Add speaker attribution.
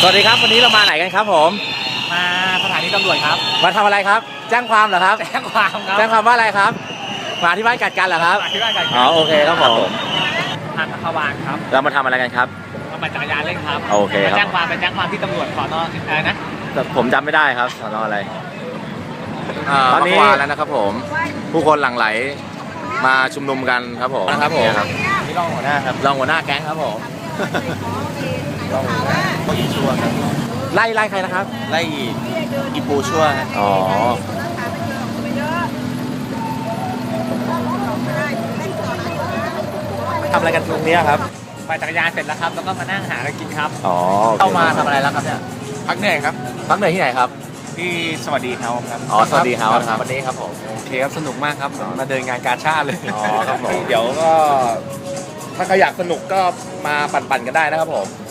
Speaker 1: วัสดีครับวันนี้เรามาไหนกันครับผม
Speaker 2: มาสถานีตำรวจครับ
Speaker 1: มาทำอะไรครับแจ้งความเหรอครับ
Speaker 2: แจ้งความครับ
Speaker 1: แจ้งความว่าอะไรครับมาที่บ้านกัดกันเหรอครับ
Speaker 2: มาที่บ้านกัน
Speaker 1: อ๋อโอเคครับผม
Speaker 2: ทางขวางครับ
Speaker 1: เรามาทำอะไรกันครับ
Speaker 2: มาปั่นจักรยานเล่นครับ
Speaker 1: โอเคครับ
Speaker 2: ไปแจ้งความที่ตำรวจสอนออะไรนะ
Speaker 1: ผมจำไม่ได้ครับสอนออะไรตอนนี้แล้วนะครับผมผู้คนหลั่งไหลมาชุมนุมกันครับผมนะครับผม
Speaker 2: นี่รองหัวหน้าครับ
Speaker 1: รองหัวหน้าแก๊งครับผม
Speaker 2: รองหัวหน้าก็อีชัวครับ
Speaker 1: ไล่ใครนะครับ
Speaker 2: ไล่อีปูชัวครับ
Speaker 1: อ๋อทำอะไรกันตรงนี้ครับ
Speaker 2: ปั่นจักรยานเสร็จแล้วครับแล้วก็มานั่งหาอะไรกินครับ
Speaker 1: อ๋อเข้ามาทำอะไรแล้วครับเนี่ย
Speaker 2: พักเหนื่อยครับ
Speaker 1: พักเหนื่อยที่ไหนครับ
Speaker 2: ที่สวัสดีเฮาส์ครับ
Speaker 1: อ๋อสวัสดีเฮาส์ครับวันนี้ครับผม
Speaker 2: โอเคครับสนุกมากครับมาเดินงานกาชาดเลย
Speaker 1: อ๋อครับผมเดี๋ยวก็ถ้าใครอยากสนุกก็มาปั่นกันได้นะครับผม